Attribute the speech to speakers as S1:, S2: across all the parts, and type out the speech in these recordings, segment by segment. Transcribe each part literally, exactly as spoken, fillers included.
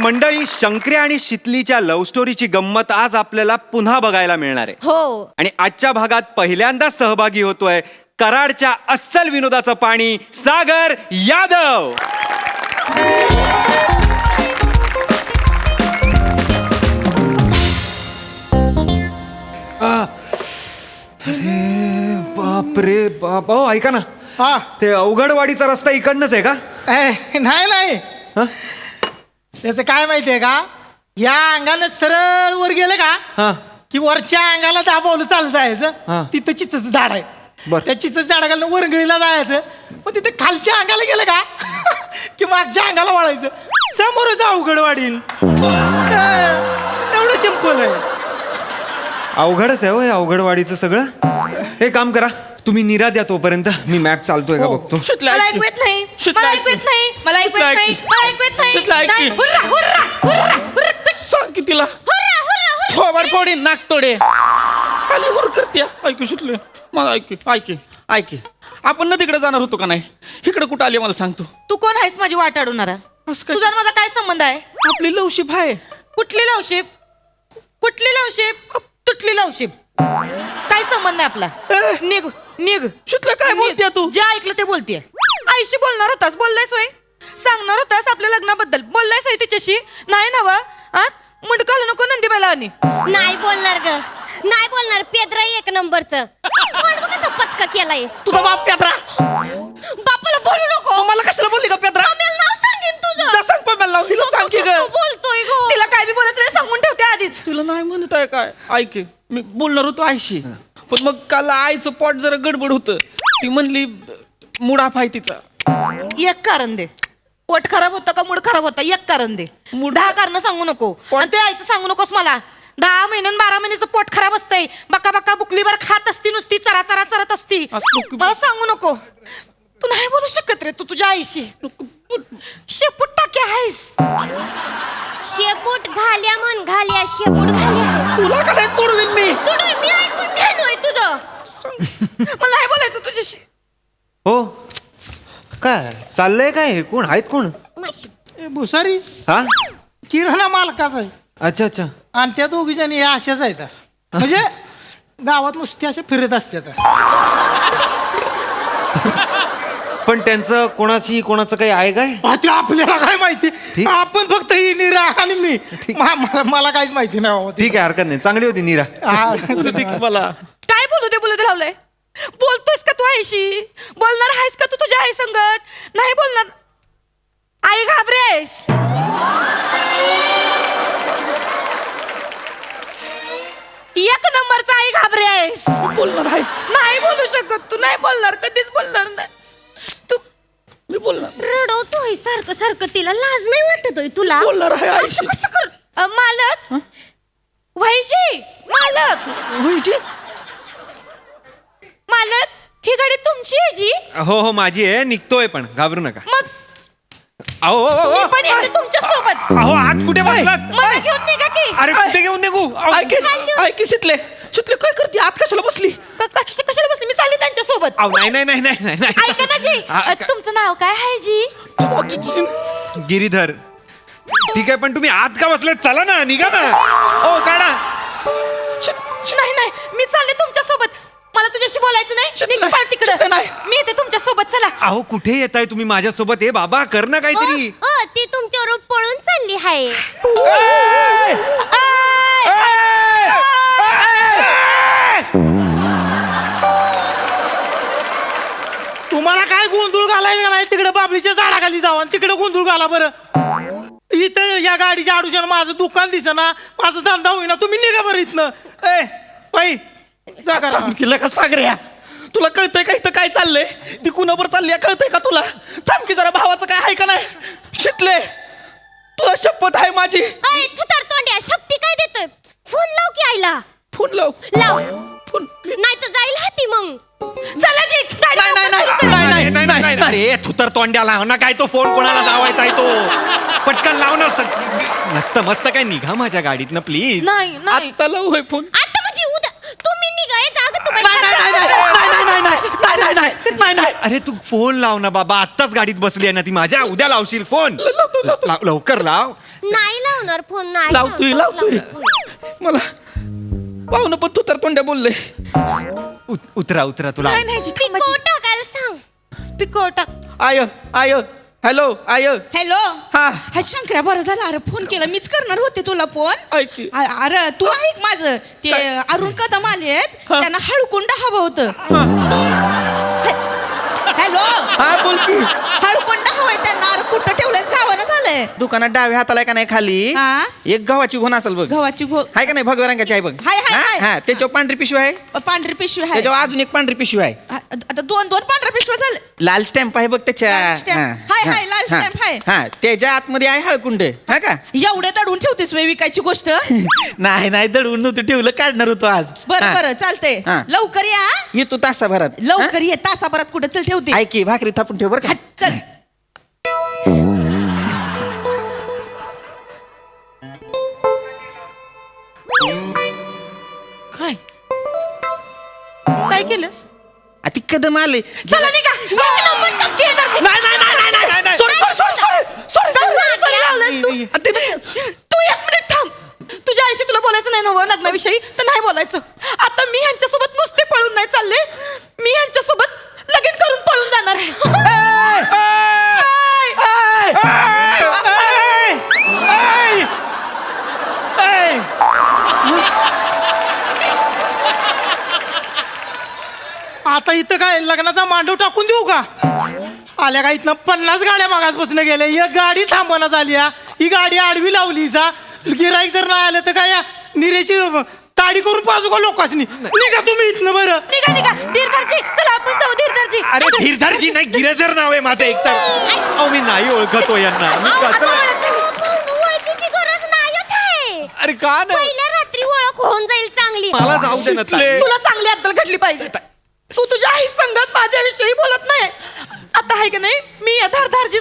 S1: मंडळी, शंकर्या आणि शितलीच्या लव्ह स्टोरीची गंमत आज आपल्याला पुन्हा बघायला मिळणार आहे.
S2: हो.
S1: आणि आजच्या भागात पहिल्यांदा सहभागी होतोय कराडच्या अस्सल विनोदाचं पाणी सागर यादव. अरे बाप रे बाप. ओ ऐका ना,
S3: हा
S1: ते अवघडवाडीचा रस्ता इकडनंच आहे का?
S3: ए, नाही नाही
S1: हं?
S3: त्याचं काय माहितीये का, या अंगानं सरळ वर गेलं का
S1: हा.
S3: की वरच्या अंगाला दाबवलं चालू
S1: हा.
S3: जायचं. तिथं चिचचं झाड आहे.
S1: बर.
S3: त्या चिचचं झाडाखाली वरंगळीला जायचं. मग तिथे खालच्या अंगाला गेलं का की मागच्या अंगाला वळायचं. समोरच अवघड वाढील. एवढं सिंपल आहे.
S1: अवघडच आहे होय अवघडवाडीचं सगळं. हे काम करा, तुम्ही निरा द्या तोपर्यंत मी मॅप चालतोय का बघतो.
S4: मला ऐकू येत नाही मला ऐकू येत नाही मला ऐकू येत नाही मला ऐकू येत नाही नाही. Hurray, hurray, hurray, hurray.
S5: सांग की तिला
S2: हुर्रा, हुर्रा, हुर्रा.
S5: थोबाड फोडी नाक तोडे खाली हुर करते. ऐकू सुटले मला. ऐक ऐक ऐक आपण ना तिकडे जाणार होतो का नाही? इकडे कुठं आली मला सांगतो.
S4: तू कोण आहेस माझी वाट अडवणारा?
S5: असं काय?
S4: तुझा आणि माझा काय संबंध आहे?
S5: आपली लवशिप आहे.
S4: कुठली लवशिप? कुठली लवशिप? तुटली लवशिप. काय संबंध आहे आपला? निघ निघ.
S5: सुटलं काय बोलते तू?
S4: जे ऐकलं ते बोलतेय. आईशी बोलणार होतास, बोललायस होय? सांगणार होतास आपल्या लग्नाबद्दल, बोललायस होय तिच्याशी? नाही ना वा? मुंडकाला नको नंदीबाईला आणि
S2: नाही बोलणार ग, नाही बोलणार. पेद्रा एक नंबरचं. पण बघ कसं पचका केलाय.
S5: तुझा बाप पेत्रा.
S2: बापाला बोलू नको.
S5: मला कशाला बोलली का पेत्रा?
S2: आम्हाला नाव सांगेन तुझं.
S5: जा सांग पण मला. हिला सांग की ग.
S2: तू बोलतोय गो.
S4: तिला काय बी बोलायचं नाही, सांगून ठेवते आधीच.
S5: तुला नाही म्हणत आहे काय? ऐक मी बोलणार होतो आईशी, पण मग काल आईचं पोट जरा गडबड होतं. ती म्हणली मुडाफ आहे तिचा.
S4: एक कारण दे. पोट खराब होतं का मूड खराब होता? एक कारण दे. दहा कारण सांगू नको. आणि ते आईचं सांगू नकोस मला. दहा महिन्यान बारा महिन्याचं पोट खराब असतंय. बका बका बुकलीवर खात असती, नुसती चरा चरा चरत असती.
S5: असं बुक-
S4: मला सांगू नको. तू नाही बोलू शकत रे तू तुझ्या आईशी. शेपूट टाके आहेस.
S2: शेपूट घाल्या म्हण, घाल्या शेपूट घाल्या.
S5: तुला का नाही तोडवीन मी?
S2: तुडवी मी ऐकून घेणोय तुझं.
S4: मला नाही बोलायचं तुझ्याशी.
S1: हो काय चाललंय? काय कोण आहेत? कोण?
S3: ए, भुसारी
S1: हा.
S3: किराणा मालकाचा आहे.
S1: अच्छा अच्छा.
S3: आणि त्या दोघी जणी या अशाच आहेत. म्हणजे गावात नुसते असे फिरत असतात.
S1: पण त्यांचं कोणाशी कोणाचं काही आहे काय?
S3: आ, ते आपल्याला काय माहिती.
S1: ठीक.
S3: आपण फक्त ही निरा आणि मी. मा- मला मला काहीच माहिती नाही बाबा.
S1: ठीक आहे, हरकत नाही. चांगली होती नीरा.
S3: हा.
S5: मला
S4: काय बोलू दे बोलू दे लावलंय. बोलतोयस का तू आईशी? बोलणार आहेस का तू तुझ्या आई संगत? नाही बोलणार. आई घाबरे आहेस. एक नंबरचा आई घाबरे आहेस.
S5: बोलणार आहे.
S4: नाही बोलू शकत तू. नाही बोलणार, कधीच बोलणार नाही तू.
S5: मी बोलणार
S2: रडवतोय सारखं सारखं. तिला लाज नाही वाटतोय तुला?
S5: बोलणार आहे आईशी.
S4: असं कसं कर? अ, मालक वहिजी, मालक
S5: होईची.
S4: मालक ही गाडी तुमची आहे जी?
S1: हो हो माझी आहे. निघतोय पण घाबरू नका.
S4: मग
S1: अहो अहो, अहो,
S4: मी पण येते तुमच्या सोबत.
S1: अहो आत कुठे बसलात?
S4: मला घेऊन निघा की.
S1: अरे कुठे घेऊन निघू? अहो,
S5: ऐक ऐक शितले शितले काय करते? आत कशाला बसली?
S4: क- कश- कशाला बसली? मी चालली त्यांच्या सोबत.
S1: अहो, नाही नाही नाही नाही नाही, नाही.
S4: ऐका ना जी.
S1: हा,
S4: अ, तुमचं नाव काय आहे जी?
S1: गिरीधर. ठीक आहे, पण तुम्ही आत का बसलेत? चला ना, निघा ना. ओ काढा.
S4: नाही नाही, मी चालले तुमच्या सोबत. मला तुझ्याशी बोलायचं नाही.
S5: शिट,
S4: निघ
S5: नाही.
S4: पळ तिकडं.
S5: शिट, नाही.
S4: मी येते तुमच्या सोबत. चला.
S1: अहो कुठे येताय तुम्ही माझ्यासोबत? हे बाबा कर ना काहीतरी.
S2: अ, अ, ती तुमच्यावर पळून चालली आहे.
S3: तुम्हाला काय गोंधळ घालायचा नाही? तिकडे बाबलीच्या झाडाखाली जावा आणि तिकडे गोंधळ घाला बरं. इथं या गाडीच्या आडूच्यानं माझं दुकान दिसेना, माझा धंदा होईना. तुम्ही निघा बरं इथनं. ए बाई जा करा.
S5: थांबकीला का सागऱ्या? तुला कळतंय का इथं काय चाललंय? ती कुणावर चालली आहे कळतंय का तुला? थांबकी जरा. भावाचं काय आहे का नाही? शिटले तुला शपथ आहे माझी.
S2: अय थुतर तोंड्या, शक्ती काय देतोय? फोन लाव की आईला.
S5: फोन लाव.
S2: लाव.
S5: फोन.
S2: नाही तर जाईल हाती मग.
S4: चला जी. गाडी
S5: नाही नाही नाही
S4: लवकर
S5: नाही नाही नाही नाही नाही.
S1: अरे थुतर तोंड्या लाव ना. काय तो फोन कोणाला लावायचा आहे तो? पटकन लाव ना. स- मस्त मस्त काय निघा माझ्या गाडीतनं प्लीज.
S4: नाही नाही.
S5: आत्ता लाव होय फोन.
S2: आता म्हणजे उद्या तुम्ही निघायचं. अगं तू बाई-
S5: नाही नाही नाही नाही नाही नाही नाही नाही नाही नाही नाही नाही
S1: अरे तू फोन लाव ना बाबा, आत्ताच गाडीत बसली आहे ना ती माझ्या, उद्या लावशील फोन. लाव- लवकर लाव.
S2: नाही लावणार फोन, नाही
S5: लावतोय
S2: लावणार.
S5: लावतोय मला पाहुणं पण तू तर तोंड्या बोलले.
S1: उत- उतरा उतरा तुला.
S4: नाही नाही
S2: पिको टाकायला सांग.
S4: स्पीकर टाक.
S5: आय आय हॅलो आय
S6: हॅलो
S5: हा.
S6: हा शंकर्या, बरं झालं अरे फोन केला, मीच करणार होते तुला फोन.
S5: ऐक की.
S6: अ- अरे तू ऐक माझं ते
S5: काय?
S6: अरुण कदम आले आहेत,
S5: हा.
S6: त्यांना हळकुंड हवं होतं. हॅलो
S5: हा बोल की.
S6: हळकुंड हवंय त्यांना. अरे कुठं ठेवलंयस, गावानं झालंय.
S5: दुकानात डाव्या हाताला आहे का नाही खाली
S6: हा.
S5: एक गव्हाची घोण असेल बघ.
S6: गव्हाची घो
S5: आहे का नाही भगव्या रंगाची आहे बघ.
S6: हाय, हाय,
S5: हा,
S6: हाय.
S5: हा त्याच्यावर पांढरी पिशवी आहे,
S6: पांढरी पिशवी आहे.
S5: त्याच्यावर अजून एक पांढरी पिशवी आहे,
S6: आ- आता दोन दोन पांढऱ्या पिशव्या झाले.
S5: लाल स्टॅम्प आहे बघ त्याच्या.
S6: लाल stamp.
S5: हा,
S6: हाय,
S5: हा,
S6: हाय, लाल
S5: हा,
S6: stamp आहे.
S5: हा त्याच्या आतमध्ये आहे हळकुंड. हा का
S6: एवढे दडून ठेवतेस वे विकायची गोष्ट.
S5: नाही नाही दडवून नव्हतं ठेवलं, काढणार होतो आज.
S6: बरं
S5: हा.
S6: बरं चालतंय,
S5: हा.
S6: लवकर या.
S5: येतो तासाभरात.
S6: लवकर ये, तासाभरात कुठं चल ठेवते.
S5: हा? ऐक की भाकरी थापून ठेव बरं का.
S6: हट, चल.
S5: काय
S4: काय केलंस?
S5: आ, ती कदम आले.
S4: चला निघा. एक नंबर टक्के येणार.
S5: नाही नाही नाही नाही नाही नाही सॉरी सॉरी सॉरी सॉरी
S4: चल, चल, लावलंस तू. तू एक मिनिट थांब. तुझ्या आईशी तुला बोलायचं नाही ना हो लग्नाविषयी, तर नाही बोलायचं. आता मी ह्यांच्यासोबत नुसते पळून नाही चालले, मी ह्यांच्यासोबत लगीन करून पळून जाणार आहे.
S3: आता इथं काय लग्नाचा मांडव टाकून देऊ का? आल्या का इथनं पन्नास गाड्या मागास बसणं गेल्या, एक गाडी थांबवण्यात आली हा. ही गाडी आडवी लावली सा. गिराईक जर नाही आलं तर काय या निरेची ताडी करून पाजू का लोकांनी? निघा तुम्ही इथनं. बरं
S4: निघा निघा धीरधरजी, चला आपण जाऊ धीरधरजी.
S1: अरे धीरधरजी नाही, गिरधर नाव आहे माझं एकतर. अहो मी नाही ओळखतो यांना. मी
S4: अहो,
S1: कसं
S4: आता ओळख झाली.
S2: भाऊ, ओळखीची गरज नाहीच आहे.
S1: अरे का नाही?
S2: पहिल्या रात्री ओळख होऊन जाईल चांगली.
S1: मला जाऊ दे ना ताई.
S4: तुला चांगली अद्दल घडली पाहिजे. तू तुझ्या आई संगत माझ्याविषयी बोलत नाहीस. आता आहे का नाही, मी या धारधारजी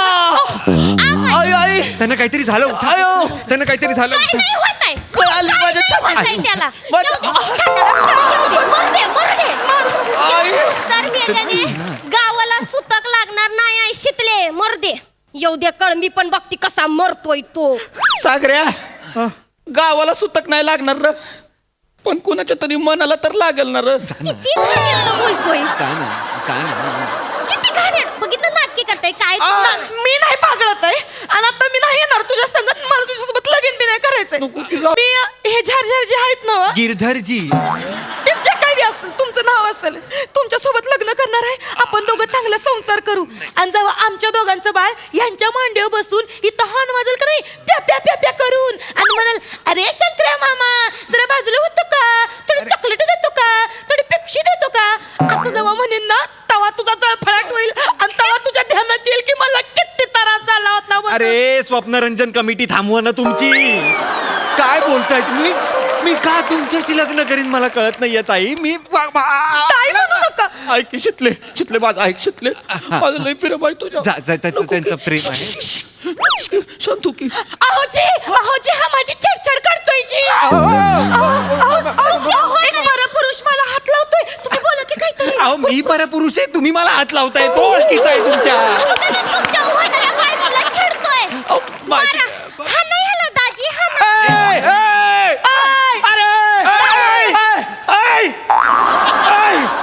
S5: आई आई
S1: त्यांना काहीतरी झालं. उठा.
S5: आयो.
S1: त्यांना काहीतरी झालं.
S2: काय नाही होत आहे.
S5: कळाली
S2: काय
S5: माझ्या
S2: नाही
S5: छातीत.
S2: होत आहे त्याला.
S5: माझ्या-
S2: जाऊ दे, छाताडात कळा येऊ दे. मरू दे, मरू दे.
S5: आई.
S2: तर मेल्याने गावाला सुतक लागणार नाही आहे शितले. मरू दे. येऊ दे कळंबी पण बघती कसा मरतोय तो.
S5: सागऱ्या गावाला सुतक नाही लागणार र, पण कोणाच्या तरी मनाला तर लागल ना र.
S2: किती घाणेरडं बोलतोय.
S1: जा ना, जा ना.
S2: किती घाणेरडं. बघितलं नाटके करताय काय.
S4: मी नाही पागळत आहे आणि आता मी नाही येणार तुझ्या संगत. मला तुझ्यासोबत लगीन बी नाही करायचंय.
S5: नको की जाऊ.
S4: मी हे झारझार जे आहेत ना,
S1: गिरधरजी.
S4: ते जे काही बी असेल तुमचं नाव असेल, तुमच्या सोबत लग्न करणार आहे. आपण दोघं चांगला संसार करू आणि जेव्हा आमच्या दोघांचं बाळ यांच्या मांडीवर बसून इथं हॉर्न वाजल का नाही, प्या प्या प्या प्या करून आणि म्हणाल, अरे शंकर्या मामा जरा बाजूला होतो का, थोडी चॉकलेट देतो का, थोडी पेप्सी देतो का, असं जेव्हा म्हणेन ना, तेव्हा तुझा जळफळाट होईल आणि तेव्हा तुझ्या ध्यानात येईल की मला किती त्रास झाला होता म्हणून.
S1: अरे स्वप्नरंजन कमिटी थांबवा ना तुमची. काय बोलताय तुम्ही? मी का तुमच्याशी लग्न करीन मला कळत नाहीये ताई. मी
S4: ताई म्हणू नका.
S5: ऐक की शितले शितले माझं ऐक शितले माझं लय प्रेम आहे तुझ्या.
S1: जा- जा, त्याचं-
S5: नको की.
S1: त्यांचं प्रेम आहे.
S5: शांतू की.
S4: अहोजी अहोजी हा माझी छेडछाड करतोय जी. अहो, अहो, अहो, एक बरं पुरुष मला हात लावतोय. तुम्ही बोला की काहीतरी.
S1: अहो मी बरं पुरुष आहे, तुम्ही मला हात लावताय. तो ओळखीचा आहे तुमच्या.
S2: तुमच्या उहाणाऱ्या बायकोला छेडतोय.
S1: अहो, माझी-
S2: मारा. हा नाही ह्याला दाजी, हा ना.
S1: ए, ए,
S4: आय,
S1: अरे ए, ए, ए, ए.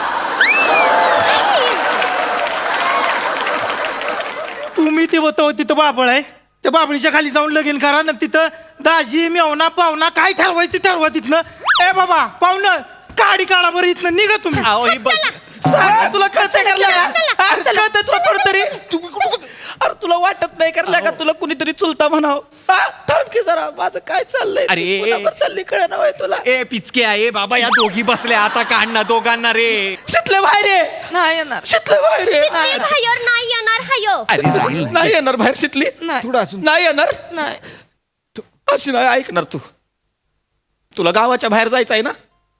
S3: तुम्ही ते होतो तिथं बाबळ आहे, त्या बाबळीच्या खाली जाऊन लगीन करा ना. तिथं दाजी मेवना पाहुणा काय ठरवायचं ते ठरवा तिथनं. ए बाबा पाहुणं काडी काढा बरं इथनं. निघा तुम्ही.
S1: अहो ही बस.
S5: सागऱ्या, तुला कळतंय करल्या का? अरे कळतंय तुला थोडं तरी. तू- अरे तुला वाटत नाही करल्या का तुला कुणीतरी चुलता म्हणाव? हा, थांब की जरा माझं काय चाललंय.
S1: अरे.
S5: तू कुणावर चालली कळ ना तुला.
S1: ए पिचके आहे बाबा, या दोघी बसल्या आता काढ ना दोघांना रे.
S5: शितले बाहेर ये.
S4: नाही येणार.
S5: शितले बाहेर ये.
S2: शितली बाहेर नाही येणार हायो.
S1: अरे जाईल.
S5: नाही येणार बाहेर शितली.
S4: नाही.
S1: थोडं असून.
S5: नाही येणार.
S4: नाही.
S5: अशी नाही ऐकणार तू. तुला गावाच्या बाहेर जायचं आहे ना,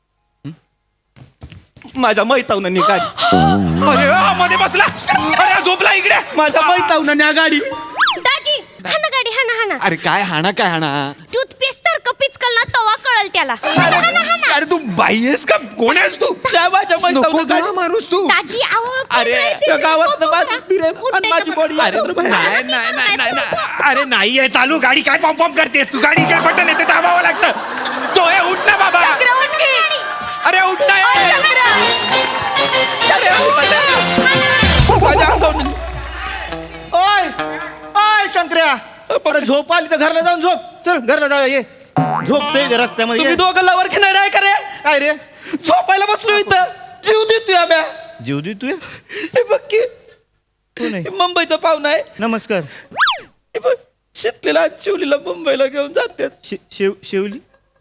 S5: माझ्या मैतावनं गाडी.
S1: अरे आ, मध्ये बसला. अरे झोपला इकडे.
S5: माझ्या मैतावनं गाडी.
S2: दाजी हाना गाडी, हाना हाना.
S1: अरे काय हाणा काय हाणा.
S2: टूथपेस्ट सारखं पिचकल ना तवा कळल त्याला
S1: अरे तू बाई आहेस का कोण आहेस तू
S5: त्या माझ्या
S1: नको
S5: मैत्रिणीला
S1: तुला
S5: गाडी-
S1: मारूस तू
S2: दाजी अहो
S1: अरे,
S5: त्या गावातनं माझं प्रेम आणि माझी बॉडी
S1: अरे नाही नाही नाही नाही नाही. अरे नाही आहे चालू गाडी काय पॉम पॉम करतेस तू गाडीचे बटन येते दाबावं लागतं तो हे उठ ना बाबा
S4: शंकर्या, उठ की.
S1: अरे उठ ना
S4: अरे,
S1: ए.
S4: शंकर्या.
S5: अरे, माझ्या अंगावर
S3: ओय ओय शंकर्या अरे झोप आली तर घरला जाऊन झोप चल घरला जाऊया ये झोपतोय इथे रस्त्यामध्ये
S5: तुम्ही
S3: ये.
S5: दोघं लवर घेणार आहे का रे
S3: काय रे
S5: झोपायला बसलो इथं जीव देतोय आम्या
S3: जीव दे तू
S5: हे बघ की
S3: कोण आहे?
S5: हे मुंबईचा पाहुणा आहे
S3: नमस्कार
S5: हे बघ शेतलेला चिवलीला मुंबईला घेऊन जातात
S3: शि- शिव शिवली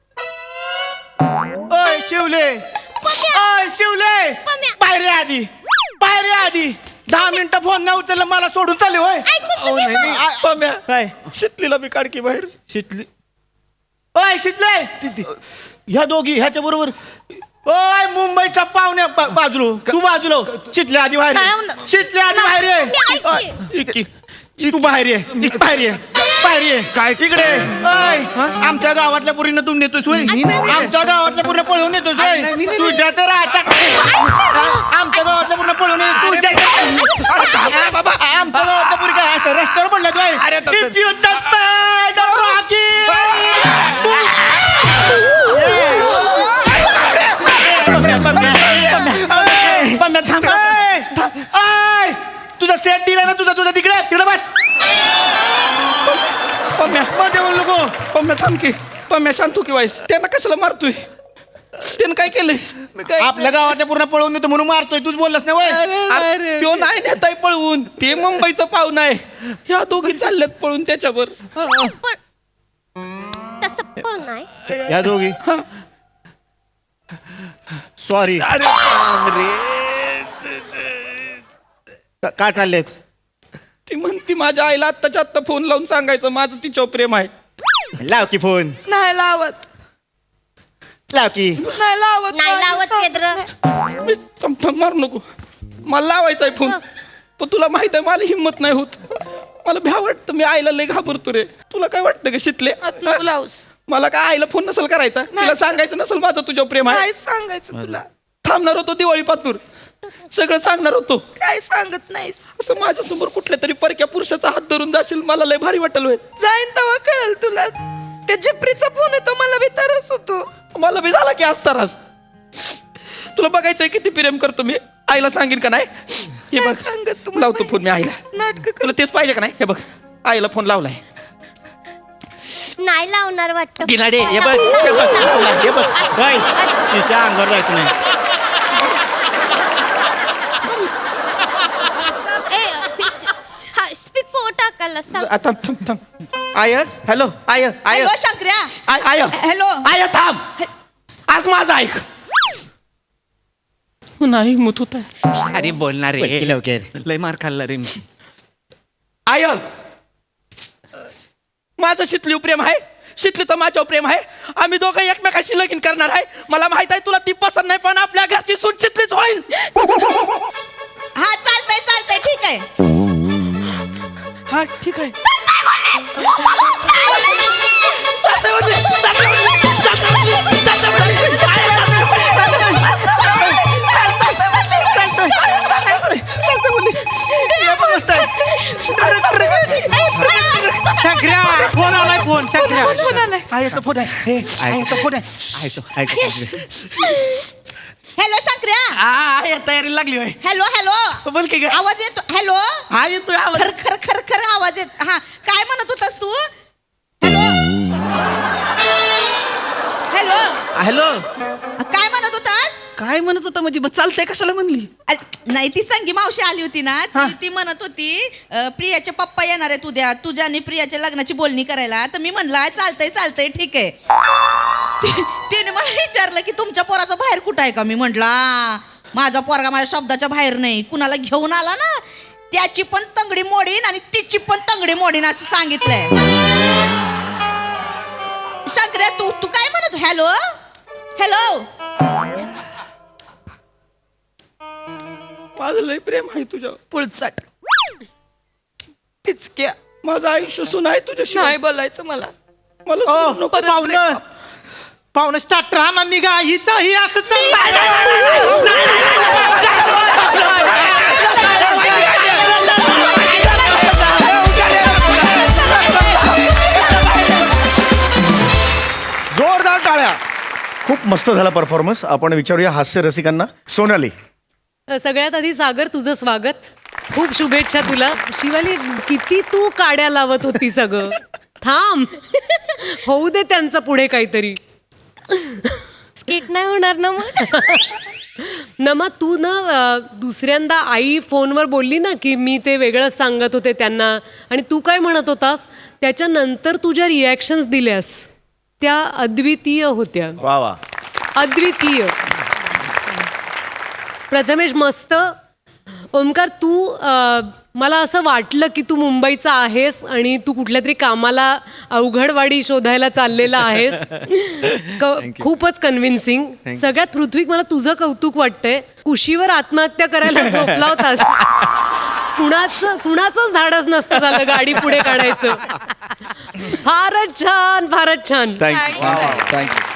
S3: ओय शिवले ओय शिवले
S2: पम्या.
S3: बाहेर ये आधी बाहेर ये आधी दहा मिनिटं फोन नाही उचलला मला सोडून चालले होय
S5: अहो, नाही, नाही. पम्या,
S3: काय
S5: शेतलीला मी काढकी बाहेर
S3: शितली ओय शितले ह्या दोघी ह्याच्या बरोबर ओय मुंबईच्या पाहुण्या बा- बाजूलो तू बाजूलो शितले आधी बाहेर
S4: नाही,
S3: ये.
S4: नाही.
S3: शितले आधी बाहेर ये
S2: मी ऐकते.
S3: ओय, इक- इक- तू बाहेर ये इक- बाहेर ये बाहेर ये
S1: काय?
S3: इकडे ओय आमच्या गावातल्या पुरीनं तू नेतोस होय
S1: मी नाही नेत.
S3: आमच्या गावातल्या पुरीनं पळवून येतोस होय
S1: नाही, मी नाही
S3: तुझ्या तर आता आमच्या गावातल्या पुरीनं पळवून ये तुझ्या अरे बाबा आमच्या गावातल्या पुरी काय असं रस्त्यावर पडल्या तू
S1: अरे तसं-
S3: If you just died, Rocky! पम्या, थांब. ऐ, ऐ, तुझा सेट दिला ना तुझा तुझा तिकडे तिकडे बस
S5: पम्या मध्ये बोल नको पम्या थांब की पम्या शांत हो की वाईस त्यांना कशाला मारतोय त्यानं काय केलंय
S3: आपल्या गावाच्या पूर्ण पळवून येतो म्हणून मारतोय तूच बोललास ना वय
S5: अरे, त्यो नाही नेताय पळवून ते मुंबईचं पाहुणा आहे ह्या दोघी चालल्यात पळून त्याच्यावर
S2: पण तसं पण नाही
S3: या दोघी सॉरी
S1: अरे बापरे.
S3: काय चाललेत
S5: ती म्हणती माझ्या आईला आत्ताच्या आत्ता फोन लावून सांगायचं माझं तिच्यावर प्रेम आहे
S3: लाव की फोन
S4: नाही लावत
S3: लाव की
S4: नाही लावत
S2: नाही लावत केद्र
S5: मी थांब थांब मारू नको मला लावायचा आहे फोन पण तुला माहित आहे मला हिंमत नाही होत मला भ्या वाटतं मी आईला लय घाबरतो रे तुला काय वाटतं का शितले
S4: आत नको लावूस
S5: मला काय आईला फोन नसेल करायचा तिला सांगायचं नसेल माझं तुझ्यावर प्रेम आहे
S4: काय सांगायचं तुला
S5: थांबणार होतो दिवाळी पातूर सगळं सांगणार होतो
S4: काय सांगत नाहीस
S5: असं माझ्यासमोर कुठल्या तरी परक्या पुरुषाचा हात धरून जाशील मला लय भारी वाटेल होय
S4: जाईन तेव्हा कळेल तुला त्या जिप्रीचा फोन येतो मला बी तरस होतो
S5: मला बी झाला की असतानाच तुला बघायचंय किती प्रेम करतो मी आईला सांगेन का नाही हे
S4: काय
S5: बघ
S4: सांगत तुम्हाला
S5: लावतो फोन मी आईला
S4: नाटक
S5: तुला तेच पाहिजे का नाही हे बघ आईला फोन लावलाय
S2: नाही लावणार वाटतं
S3: किनाडे हे बघ हे बघ लावलाय, हे बघ होय तिच्या अंगावर जायचं नाही
S2: स्पीकर टाकायला सांग
S5: आ, थांब थांब थांब आय हॅलो आय आय
S6: हॅलो शंकर्या
S5: आय आय
S6: हॅलो
S5: आय थांब आज माझं ऐक नाही हिंमत होत आहे
S1: अरे बोलणार रे
S3: लवकर, लवकर.
S1: लय मार खाल्ला रे मी
S5: आय माझं शितलीव प्रेम आहे शितलीचं माझ्यावर प्रेम आहे आम्ही दोघं एकमेकाशी लगीन करणार आहे मला माहित आहे तुला ती पसंत नाही पण आपल्या घरची सून शितलीच होईल
S6: हा चालतंय चालतंय ठीक आहे
S5: हा ठीक आहे चालतंय म्हणजे, चालतंय म्हणजे, चालतंय म्हणजे, चालतंय म्हणजे. आय,
S3: शंकर्या फोन आलाय फोन शंकर्या
S4: फोन आलाय
S5: आईचा फोन आहे हे, आईचा फोन आहे
S3: ऐकतो ऐकतो
S6: हॅलो शंकर्या
S5: आ, आई तयारी लागली होय
S6: हॅलो हॅलो
S5: बोल की काय
S6: आवाज येतो हॅलो
S5: हा येतोय आवाज
S6: खर खर खर खर आवाज येत हा काय म्हणत होतास तू हॅलो हॅलो
S5: हॅलो
S6: काय म्हणत होतास
S5: काय म्हणत होता म्हणजे मग चालतंय कशाला म्हणली
S6: अ, नाही ती संगी मावशी आली होती ना
S5: हा.
S6: ती ती म्हणत होती अ, प्रियाचे पप्पा येणार आहेत उद्या तुझ्या आणि प्रियाच्या लग्नाची बोलणी करायला तर मी म्हणला चालतंय चालतंय ठीक आहे ती- तिने मला विचारलं की तुमच्या पोराचं बाहेर कुठं आहे का मी म्हटला माझा पोरगा माझ्या शब्दाच्या बाहेर नाही कुणाला घेऊन आला ना त्याची पण तंगडी मोडीन आणि तिची पण तंगडी मोडीन असं सांगितलंय शंकर्या तू तू काय म्हणत हॅलो हॅलो
S5: माझं लय प्रेम आहे तुझ्यावर
S4: पुळचट पिचक्या
S5: माझं आयुष्य सुन आहे तुझ्याशी
S4: नाही बोलायचं मला
S5: मला
S3: ओ
S5: सोडू नको.
S3: पाहुणं पाहुणे स्टार्टर हा निघा हिचा ही असं
S7: जोरदार टाळ्या. खूप मस्त झाला परफॉर्मन्स. आपण विचारूया हास्य रसिकांना. सोनाली,
S8: सगळ्यात आधी सागर तुझं स्वागत. खूप शुभेच्छा तुला. शिवाली, किती तू काड्या लावत होती सगळं. थांब, होऊ दे त्यांचं पुढे काहीतरी.
S2: स्किट नाही होणार ना मग.
S8: नमा, तू ना अ, दुसऱ्यांदा आई फोनवर बोलली ना की मी ते वेगळंच सांगत होते त्यांना, आणि तू काय म्हणत होतास त्याच्यानंतर तुझ्या रिॲक्शन्स दिल्यास त्या अद्वितीय होत्या.
S7: वा वा.
S8: अद्वितीय. प्रथमेश, मस्त. ओमकार, तू अ, मला असं वाटलं की तू मुंबईचा आहेस आणि तू कुठल्या तरी कामाला अवघडवाडी शोधायला चाललेला आहेस. क- खूपच कन्व्हिन्सिंग. सगळ्यात पृथ्वी, मला तुझं कौतुक वाटतंय. कुशीवर आत्महत्या करायला झोपला होतास. कुणाचं कुणाचंच धाडस नसतं झालं गाडी पुढे काढायचं. फारच छान, फारच छान.
S7: Thank you thank you